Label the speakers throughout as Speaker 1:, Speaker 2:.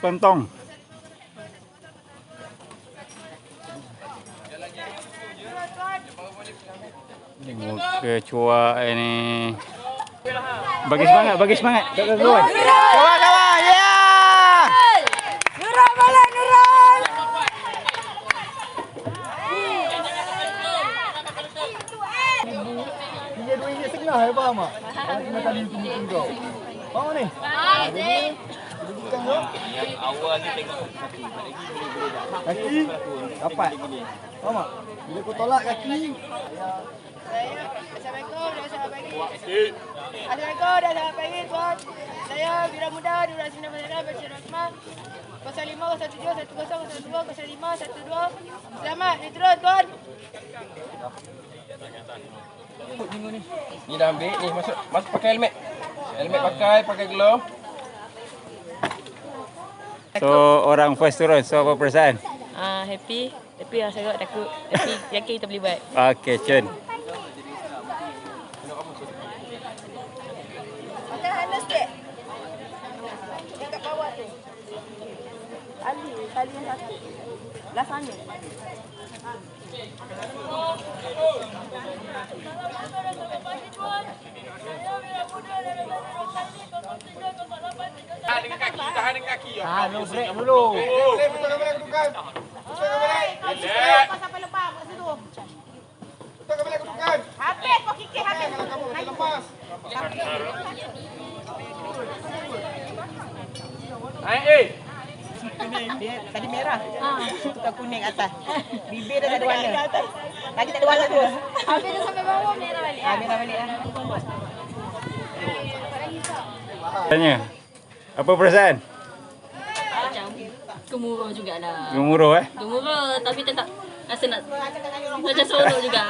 Speaker 1: Pontong. Muka cuak ini. Bagi semangat, bagi semangat. Kawan, kawan, ya!
Speaker 2: Nurul balik, Nurul!
Speaker 3: Dia RM2.5 ya, faham tak? Kena tadi tunggu kau. Faham ni? Bukan kau?
Speaker 4: Yang awal ni tengok
Speaker 3: Kaki dapat. Faham tak? Bila kau tolak kaki,
Speaker 2: Assalamualaikum dan selamat pagi. Assalamualaikum dan selamat pagi tuan. Saya Wira Muda Durasi Nama Negara Bashir Rahman. 05 07 10 02 05 12. Selamat diturun tuan.
Speaker 4: ni dah ambil ni masuk pakai helmet. Helmet pakai glove.
Speaker 1: So, orang first turun. So, apa perasaan?
Speaker 5: Happy. Happy lah sangat, takut. Happy, yakin kita boleh buat.
Speaker 1: Okey, Cun.
Speaker 2: Makan handle sikit. Dekat bawah tu. Tali yang satu. Belah sana.
Speaker 4: Tahan dengan kaki.
Speaker 3: no break dulu.
Speaker 4: Betul balik kedudukan.
Speaker 2: Lepas sampai lepas kat situ.
Speaker 4: Betul balik kedudukan.
Speaker 2: Habis kau kikir habis.
Speaker 4: Kamu lepas. Naik
Speaker 6: Tadi merah. Tukar kuning atas. Bibir dah tak ada warna. Lagi tak ada warna terus.
Speaker 2: Habis dah sampai bawah merah balik.
Speaker 6: Merah balik lah.
Speaker 1: Tanya. Apa perasaan?
Speaker 5: Macam gemuruh jugalah.
Speaker 1: Gemuruh
Speaker 5: Gemuruh tapi tetap rasa nak macam seronok juga.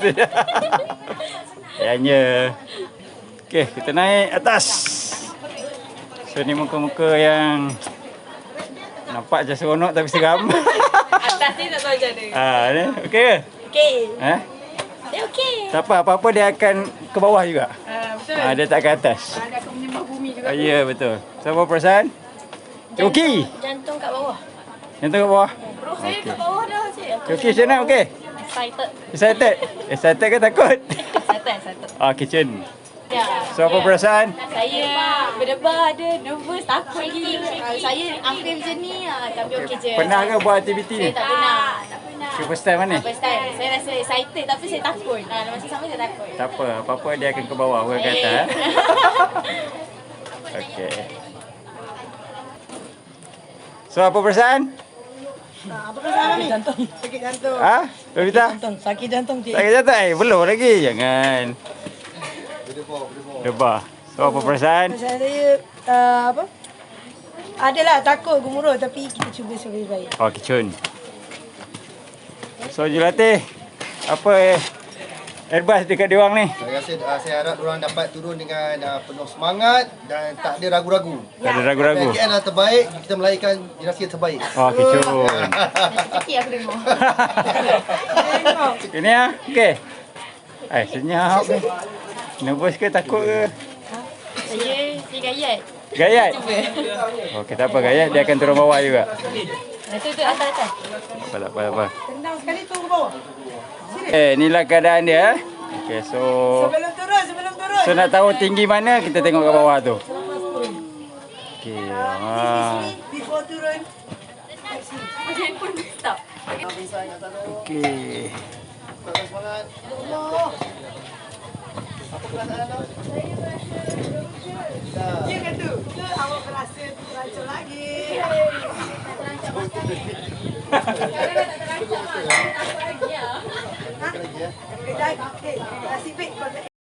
Speaker 1: Tanya. Okey, kita naik atas. So, ni muka-muka yang nampak je seronok tapi seram.
Speaker 5: Atas ni tak tahu macam mana.
Speaker 1: Ni okey ke?
Speaker 5: Okey.
Speaker 1: Dia
Speaker 5: okey.
Speaker 1: Tak apa-apa dia akan ke bawah juga.
Speaker 5: Betul.
Speaker 1: Dia tak ke atas.
Speaker 5: Ada akan menyembah bumi juga.
Speaker 1: Ya, betul. So, apa perasaan? Okey.
Speaker 5: Jantung kat bawah.
Speaker 1: Yang tu ke bawah.
Speaker 5: Roh saya kat bawah dah cik.
Speaker 1: Okey, Cun nak okey?
Speaker 5: Excited.
Speaker 1: Excited? Excited ke takut?
Speaker 5: Excited.
Speaker 1: Okey, Cun.
Speaker 5: Ya.
Speaker 1: So, apa perasaan?
Speaker 5: Saya berdebar ada, nervous, takut lagi. Saya hampir macam ni tapi okey je.
Speaker 1: Pernah ke buat aktiviti
Speaker 5: Saya
Speaker 1: ni?
Speaker 5: tak pernah.
Speaker 1: First time mana?
Speaker 5: First time. Saya rasa excited tapi saya takut. Masa sama saya takut.
Speaker 1: Tak apa, apa-apa dia akan ke bawah, bukan ke atas. Okey. So, apa perasaan?
Speaker 6: Apa perasaan ni? Jantung. Sakit jantung.
Speaker 1: Lolita?
Speaker 6: Sakit jantung cik.
Speaker 1: Sakit jantung? Belum lagi. Jangan. Debar. So, apa perasaan?
Speaker 6: Perasaan saya apa? Adalah takut gemuruh tapi kita cuba sebaik baik.
Speaker 1: Okey, Cun. So, Julatih, apa advice dekat diorang ni?
Speaker 3: Saya rasa saya harap diorang dapat turun dengan penuh semangat dan tak ada ragu-ragu.
Speaker 1: Tak ada ragu-ragu.
Speaker 3: PKN adalah terbaik, kita melahirkan generasi yang terbaik.
Speaker 1: Okey, Cun.
Speaker 5: Okey aku dengar.
Speaker 1: Ini okey. Senyap ni. Nervous ke takut ke?
Speaker 5: Saya gayat.
Speaker 1: Gayat? Okey, tak apa gayat. Dia akan turun bawah juga.
Speaker 5: Itu atas.
Speaker 1: Tak apa.
Speaker 6: Tendang sekali tu ke bawah.
Speaker 1: Inilah keadaan dia. Okey, so
Speaker 6: Sebelum turun.
Speaker 1: so nak tahu tinggi mana, kita tengok kat bawah tu. Okey.
Speaker 6: Before turun.
Speaker 5: Macam pun stop.
Speaker 1: Okey.
Speaker 3: Semangat. Allah. Apa perasaan anda?
Speaker 6: Ya ke tu? Ke awak berasa terancur lagi?
Speaker 3: Lagi ya.
Speaker 6: Okey, nasib baik.